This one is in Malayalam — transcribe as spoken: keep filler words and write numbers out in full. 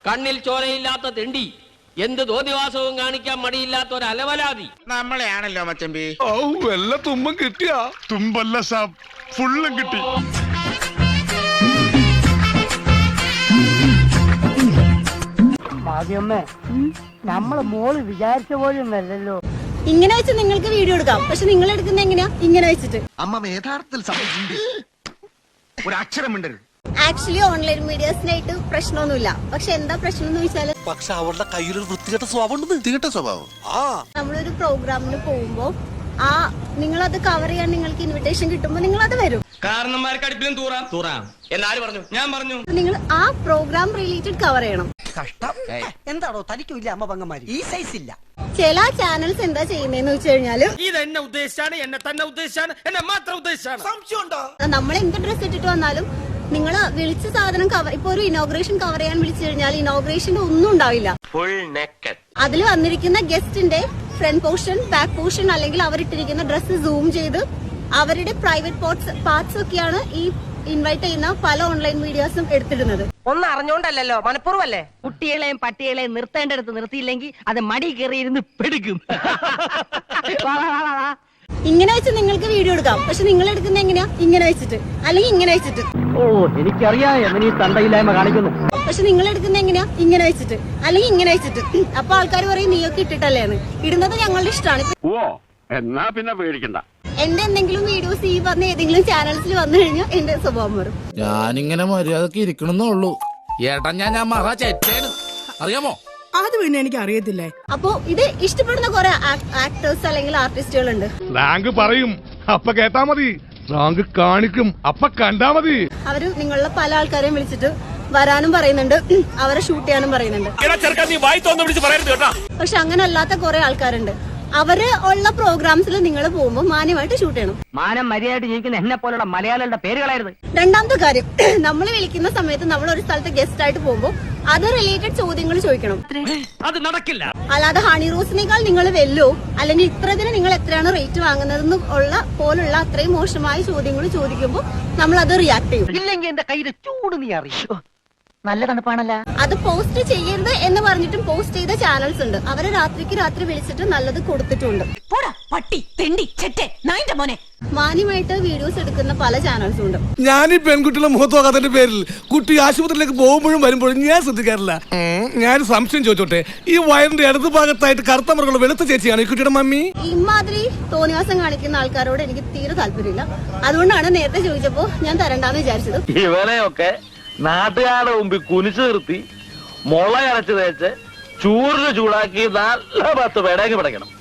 കണ്ണിൽ ചോരയില്ലാത്ത തെണ്ടി, എന്ത് തോന്നിവാസവും കാണിക്കാൻ മടിയില്ലാത്ത ഒരു അലവലാതി നമ്മളെയാണല്ലോ മച്ചമ്പി. ഓ വല്ല തുമ്പം കിട്ടിയാ? തുമ്പല്ല സാബ്, ഫുള്ളും കിട്ടി. നമ്മള് മോള് വിചാരിച്ച പോലും അല്ലല്ലോ. ഇങ്ങനെ വെച്ച് നിങ്ങൾക്ക് വീഡിയോ എടുക്കാം, പക്ഷെ നിങ്ങൾ എടുക്കുന്ന എങ്ങനെയാ? ഇങ്ങനെ വെച്ചിട്ട്. അമ്മ യഥാർത്ഥത്തിൽ ഒരു അക്ഷരം മിണ്ടരുത്. ആക്ച്വലി ഓൺലൈൻ മീഡിയസിനായിട്ട് പ്രശ്നമൊന്നുമില്ല. പക്ഷെ എന്താ പ്രശ്നം എന്ന് വെച്ചാല്, പക്ഷെ അവരുടെ കയ്യിലൊരു വൃത്തികെട്ട സ്വഭാവം ഉണ്ട്. വൃത്തികെട്ട സ്വഭാവം ആ നമ്മളൊരു പ്രോഗ്രാമിന് പോകുമ്പോ ആ നിങ്ങളത് കവർ ചെയ്യാൻ നിങ്ങൾക്ക് ഇൻവിറ്റേഷൻ കിട്ടുമ്പോ നിങ്ങൾ അത് വരും. കാരണന്മാർക്ക് അടുപ്പിലും തൂറാം തൂറാം എന്നാര് പറഞ്ഞു? ഞാൻ പറഞ്ഞു. നിങ്ങൾ ആ പ്രോഗ്രാം റിലേറ്റഡ് കവർ ചെയ്യണം. കഷ്ടം. എന്താണോ തനിക്കില്ല അമ്മ പങ്ങന്മാര് ഈ സൈസ് ഇല്ല. ചില ചാനൽസ് എന്താ ചെയ്യുന്നതെന്ന് വെച്ച് കഴിഞ്ഞാല്, ഇത് എന്നെ ഉദ്ദേശിച്ചാണ്, എന്നെ തന്നെ ഉദ്ദേശിച്ചാണ്, എന്നെ മാത്രം ഉദ്ദേശിച്ചാണ്. നമ്മൾ എന്ത് ഡ്രസ് ഇട്ടിട്ട് വന്നാലും നിങ്ങൾ വിളിച്ച സാധനം കവർ, ഇപ്പൊ ഒരു ഇനോഗ്രേഷൻ കവർ ചെയ്യാൻ വിളിച്ചു കഴിഞ്ഞാൽ ഇനോഗ്രേഷന്റെ ഒന്നും ഉണ്ടാവില്ല. Full naked. അതിൽ വന്നിരിക്കുന്ന ഗസ്റ്റിന്റെ ഫ്രണ്ട് പോർഷൻ, ബാക്ക് പോർഷൻ, അല്ലെങ്കിൽ അവരിട്ടിരിക്കുന്ന ഡ്രസ്സ് സൂം ചെയ്ത് അവരുടെ പ്രൈവറ്റ് പാർട്സ് പാർട്സ് ഒക്കെയാണ് ഈ ഇൻവൈറ്റ് ചെയ്യുന്ന പല ഓൺലൈൻ മീഡിയാസും എടുത്തിടുന്നത്. ഒന്നും അറിഞ്ഞോണ്ടല്ലോ, മനഃപൂർവ്വല്ലേ. കുട്ടികളെയും പട്ടികളെയും നിർത്തേണ്ടടുത്ത് നിർത്തിയില്ലെങ്കിൽ അത് മടി കയറിയിരുന്ന് പെടുക്കും. ഇങ്ങനെ വെച്ച് നിങ്ങൾക്ക് വീഡിയോ എടുക്കാം, പക്ഷെ നിങ്ങൾ എടുക്കുന്ന എങ്ങനെയാ? ഇങ്ങനെ വെച്ചിട്ട്, അല്ലെങ്കിൽ ഇങ്ങനെ വെച്ചിട്ട്. ഓ എനിക്കറിയാം എങ്ങനെ ഈ തണ്ടയില്ലായ്മ കാണിക്കുന്നു. പക്ഷെ നിങ്ങൾ എടുക്കുന്ന എങ്ങനെയാ? ഇങ്ങനെ വെച്ചിട്ട്, അല്ലെങ്കിൽ ഇങ്ങനെ വെച്ചിട്ട്. അപ്പൊ ആൾക്കാർ പറയും നീയൊക്കെ ഇട്ടിട്ടല്ലേന്ന്. ഇടുന്നത് ഞങ്ങളുടെ ഇഷ്ടമാണ്. ഓ എന്നാ പിന്നെ പേടിക്കണ്ട. എന്റെ എന്തെങ്കിലും വീഡിയോസ് ഈ പറഞ്ഞ ഏതെങ്കിലും ചാനൽസിൽ വന്നു കഴിഞ്ഞാൽ എന്റെ സ്വഭാവം മാറും. ഞാനിങ്ങനെ മര്യാദക്ക് ഇരിക്കണമെന്നുള്ളൂ. ഏട്ടാ ഞാൻ ഞാൻ മറ ചേട്ടേണ്, അറിയാമോ? അത് പിന്നെ എനിക്ക് അറിയത്തില്ലേ. അപ്പോ ഇത് ഇഷ്ടപ്പെടുന്ന കുറെ ആക്ടേഴ്സ് അല്ലെങ്കിൽ ആർട്ടിസ്റ്റുകളുണ്ട്. റാങ്ക് പറയും അപ്പ കേട്ടാ മതി, റാങ്ക് കാണിക്കും അപ്പ കണ്ടാ മതി. അവര് നിങ്ങളുടെ പല ആൾക്കാരെയും വിളിച്ചിട്ട് വരാനും പറയുന്നുണ്ട്, അവരെ ഷൂട്ട് ചെയ്യാനും പറയുന്നുണ്ട്. പക്ഷെ അങ്ങനെ അല്ലാത്ത കുറെ ആൾക്കാരുണ്ട്. അവര് ഉള്ള പ്രോഗ്രാംസിൽ നിങ്ങൾ പോകുമ്പോൾ മാന്യമായിട്ട് ഷൂട്ട് ചെയ്യണം. മാനം മര്യാദയായിട്ട് ജീവിക്കുന്ന എന്നെ പോലുള്ള മലയാളികളുടെ പേരുകളായിരുന്നു. രണ്ടാമത്തെ കാര്യം, നമ്മൾ വിളിക്കുന്ന സമയത്ത് നമ്മൾ ഒരു സ്ഥലത്ത് ഗസ്റ്റ് ആയിട്ട് പോകുമ്പോൾ അത് റിലേറ്റഡ് ചോദ്യങ്ങൾ ചോദിക്കണം. അത് നടക്കില്ല. അല്ലാതെ ഹണി റോസിനേക്കാൾ നിങ്ങൾ വെല്ലോ, അല്ലെങ്കിൽ ഇത്രതിന് നിങ്ങൾ എത്രയാണ് റേറ്റ് വാങ്ങുന്നതെന്ന് ഉള്ള പോലുള്ള അത്രയും മോശമായ ചോദ്യങ്ങൾ ചോദിക്കുമ്പോൾ നമ്മൾ അത് റിയാക്ട് ചെയ്യും. ഇല്ലെങ്കിൽ എന്റെ കയ്യില് ചൂട് നീ അറിയോ. നല്ല തണുപ്പാണല്ല. അത് പോസ്റ്റ് ചെയ്യരുത് എന്ന് പറഞ്ഞിട്ടും പോസ്റ്റ് ചെയ്ത ചാനൽസ് ഉണ്ട്. അവരെ രാത്രിക്ക് രാത്രി വിളിച്ചിട്ട് നല്ലത് കൊടുത്തിട്ടുണ്ട്. പട്ടി തെണ്ടി ചെറ്റെ നായിന്റെ മോനെ. മാന്യമായിട്ട് വീഡിയോസ് എടുക്കുന്ന പല ചാനൽസും ഉണ്ട്. ഞാൻ ഈ പെൺകുട്ടികളെ മുഖത്ത് നോക്കാത്തതിന്റെ പേരിൽ കുട്ടി ആശുപത്രിയിലേക്ക് പോകുമ്പോഴും വരുമ്പോഴും ഞാൻ ശ്രദ്ധിക്കാറില്ല. ഞാൻ സംശയം ചോദിച്ചോട്ടെ, ഈ വയറിന്റെ ഇടതു ഭാഗത്തായിട്ട് കറുത്ത മൃഗങ്ങൾ വെളുത്ത ചേച്ചിയാണ് ഈ കുട്ടിയുടെ മമ്മി? ഇമാതിരി തോന്നിവാസം കാണിക്കുന്ന ആൾക്കാരോട് എനിക്ക് തീരെ താല്പര്യമില്ല. അതുകൊണ്ടാണ് നേരത്തെ ചോദിച്ചപ്പോ ഞാൻ തരണ്ടാന്ന് വിചാരിച്ചത്. ഇവരെയൊക്കെ നാട്ടുകാരുടെ മുമ്പിൽ കുനിച്ചു നിർത്തി മുള അരച്ച് തേച്ച് ചൂറിന് ചൂടാക്കി നല്ല പത്ത് പേടേക്ക് പിടയ്ക്കണം.